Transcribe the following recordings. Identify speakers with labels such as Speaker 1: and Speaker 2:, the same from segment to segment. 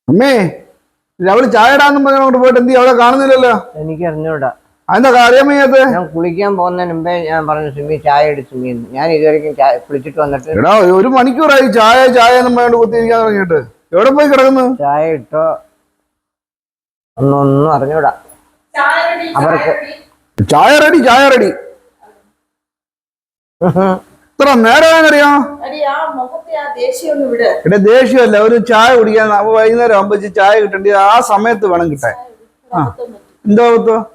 Speaker 1: അമ്മേ അവള് ചായ ഇടാന്നും പറഞ്ഞോണ്ട് പോയിട്ട് എന്തി അവളെ കാണുന്നില്ലല്ലോ.
Speaker 2: എനിക്ക് അറിഞ്ഞൂടാ.
Speaker 1: അതെന്താ കാര്യം വയ്യാത്തെ?
Speaker 2: ഞാൻ കുളിക്കാൻ പോകുന്നതിന് മുമ്പേ ഞാൻ പറഞ്ഞു സുമി ചായ എടു സുമിന്ന്. ഞാൻ ഇതുവരെയും കുളിച്ചിട്ട് വന്നിട്ട്
Speaker 1: എടാ 1 മണിക്കൂറായി ചായ ചായ എന്നും പറഞ്ഞോണ്ട് കുത്തിയിരിക്കാൻ തുടങ്ങിയിട്ട്. എവിടെ പോയി കിടക്കുന്നു?
Speaker 2: ചായ ഇട്ടോ ഒന്നും അറിഞ്ഞൂടാ. അവർക്ക്
Speaker 1: ചായ റെഡി ചായ റെഡി. ഇത്ര നേരമാണെന്നറിയാം. ഇവിടെ ദേഷ്യമല്ല, ഒരു ചായ കുടിക്കാൻ വൈകുന്നേരം ആകുമ്പോ ചായ കിട്ടേണ്ടി ആ സമയത്ത് വേണം കിട്ടാൻ. എന്താ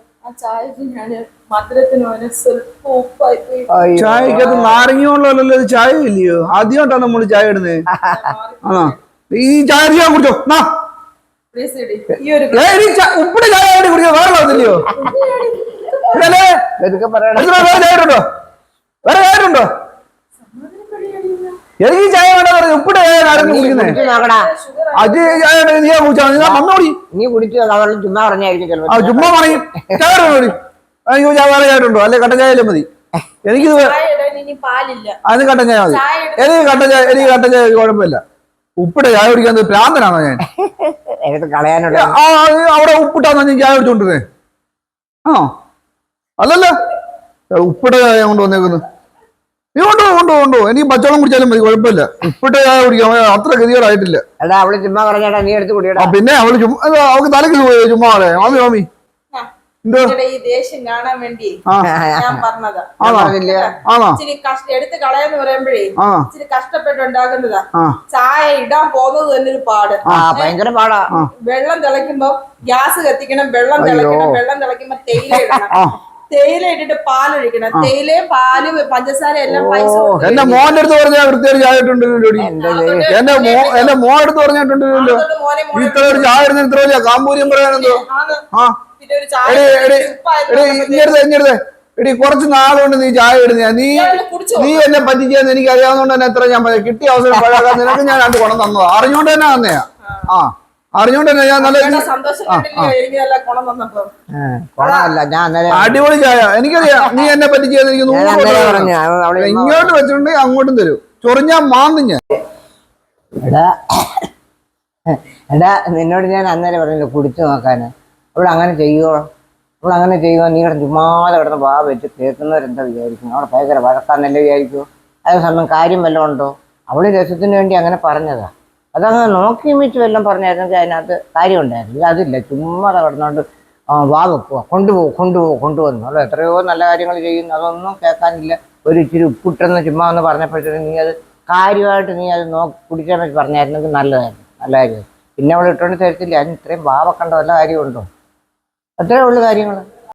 Speaker 1: ചായക്കകത്ത് നാരങ്ങയുള്ളല്ലോ, ചായ ഇല്ലയോ? ആദ്യമായിട്ടാണ് നമ്മള് ചായ ഇടുന്നത്. ആണോ? ഈ ചായ ഞാൻ കുടിച്ചോ. ഉപ്പിട്ട് ചായ കുടിക്കോ? വേറെ ഇല്ലയോ? വേറെ ചായണ്ടോ? എനിക്ക് ചായ വേണ്ട പറഞ്ഞു. ഉപ്പിട്ട് ചായ ആരും കുടിക്കുന്നേ? അത് ചായ നീ കുടിച്ചാൽ മന്നോടി.
Speaker 2: നീ കുടിച്ചു ചുമ്മാ പറഞ്ഞായിരിക്കും.
Speaker 1: ചുമ്മാ പറയും. ചായ അയ്യോ ചായ വേറെ ചായണ്ടോ? അല്ലെ കട്ടൻ ചായ മതി. എനിക്കിത് അത് കട്ടൻ ചായ മതി. എനിക്ക് കട്ടൻ ചായ കുഴപ്പമില്ല. ഉപ്പിട്ട് ചായ കുടിക്കാൻ പ്രാന്തനാണോ ഞാൻ? അവിടെ ഉപ്പിട്ടാന്നോ ഞാൻ ചായ കുടിച്ചോണ്ടിരുന്നേ? ആണോ? അല്ലല്ലോ, ഉപ്പിട്ട ചായ കൊണ്ട് വന്നേക്കുന്നു. നീ കൊണ്ടോ എനിക്ക് പച്ചവെള്ളം കുടിച്ചാലും മതി, കുഴപ്പമില്ല. ഉപ്പിട്ട ചായ കുടിക്കാൻ അത്ര ഗതികേടായിട്ടില്ല. പിന്നെ അവള് അവൾക്ക് തലക്ക് ചുമ്മാ മാമി മാമി
Speaker 3: എടുത്ത് കളയെന്ന് പറയുമ്പോഴേ ഇച്ചിരി കഷ്ടപ്പെട്ടുണ്ടാക്കുന്നതാ. ചായ ഇടാൻ പോകുന്നത് തന്നെ ഒരു പാട്,
Speaker 2: ഭയങ്കര പാടാ.
Speaker 3: വെള്ളം തിളയ്ക്കുമ്പോ ഗ്യാസ് കത്തിക്കണം, വെള്ളം തിളയ്ക്കണം, വെള്ളം തിളയ്ക്കുമ്പോ തേയില ഇടണം, തേയില ഇട്ടിട്ട് പാലൊഴിക്കണം, തേയിലയും പാല് പഞ്ചസാര എല്ലാം പൈസ.
Speaker 1: എന്റെ മോന്റെ അടുത്ത് പറഞ്ഞാൽ വൃത്തിയായിട്ട് ചായ ഇട്ടുണ്ടല്ലോ. എന്റെ മോൻ എടുത്ത് പറഞ്ഞിട്ടുണ്ടല്ലോ ഇത്ര ഒരു ചായ ഇടുന്ന ഇത്ര വലിയ കാമ്പൂര്യം പറയാനെന്തോ. എടി കുറച്ച് നാളുകൊണ്ട് നീ ചായ ഇടുന്ന, നീ എന്നെ പറ്റിച്ചെന്ന് എനിക്ക് അറിയാവുന്നതുകൊണ്ട് തന്നെ എത്ര ഞാൻ കിട്ടിയ അവസരം പഴകാൻ നിനക്ക് ഞാൻ 2 കുണം തന്നതാ. അറിഞ്ഞോണ്ട് തന്നെ തന്നെയാ. അറിഞ്ഞോണ്ട് തന്നെ ഞാൻ നല്ല അടിപൊളി ചായ. എനിക്കറിയാം നീ എന്നെ പറ്റിച്ചെന്ന് എനിക്ക് 100 ഇങ്ങോട്ട് വെച്ചിട്ടുണ്ടെങ്കിൽ അങ്ങോട്ടും തരും. ചൊറിഞ്ഞാ മാന്തും ഞാൻ.
Speaker 2: എടാ നിന്നോട് ഞാൻ അന്നേരം പറഞ്ഞില്ല കുടിച്ചു നോക്കാന്. അവൾ അങ്ങനെ ചെയ്യുവോ? നീ ചുമ്മാതെ കിടന്ന് വാ വെച്ച് കേൾക്കുന്നവരെന്താ വിചാരിക്കും? അവിടെ ഭയങ്കര വഴക്കാന്നല്ലേ വിചാരിക്കുമോ? അതേ സമയം കാര്യം വല്ലതും ഉണ്ടോ? അവള് രസത്തിന് വേണ്ടി അങ്ങനെ പറഞ്ഞതാ. അതങ്ങനെ നോക്കി മിച്ച് വല്ലതും പറഞ്ഞായിരുന്നെങ്കിൽ അതിനകത്ത് കാര്യം ഉണ്ടായിരുന്നു. അതില്ല, ചുമ്മാതെ കിടന്നോണ്ട് വാ വെക്കുക, കൊണ്ടുപോകുന്നു. അവൾ എത്രയോ നല്ല കാര്യങ്ങൾ ചെയ്യുന്നു, അതൊന്നും കേൾക്കാനില്ല. ഒരു ഇച്ചിരി ഉപ്പിട്ടെന്ന് ചുമ്മാ ഒന്ന് പറഞ്ഞപ്പോഴത്തേക്കും നീ അത് കാര്യമായിട്ട് നീ അത് കുടിക്കാൻ പറ്റി പറഞ്ഞായിരുന്നെങ്കിൽ നല്ല കാര്യമായിരുന്നു. പിന്നെ അവൾ ഇട്ടുകൊണ്ട് തരത്തില്ല. അതിന് ഇത്രയും വാ വെക്കേണ്ട വല്ല കാര്യമുണ്ടോ? അത്രേ ഉള്ളു കാര്യങ്ങൾ.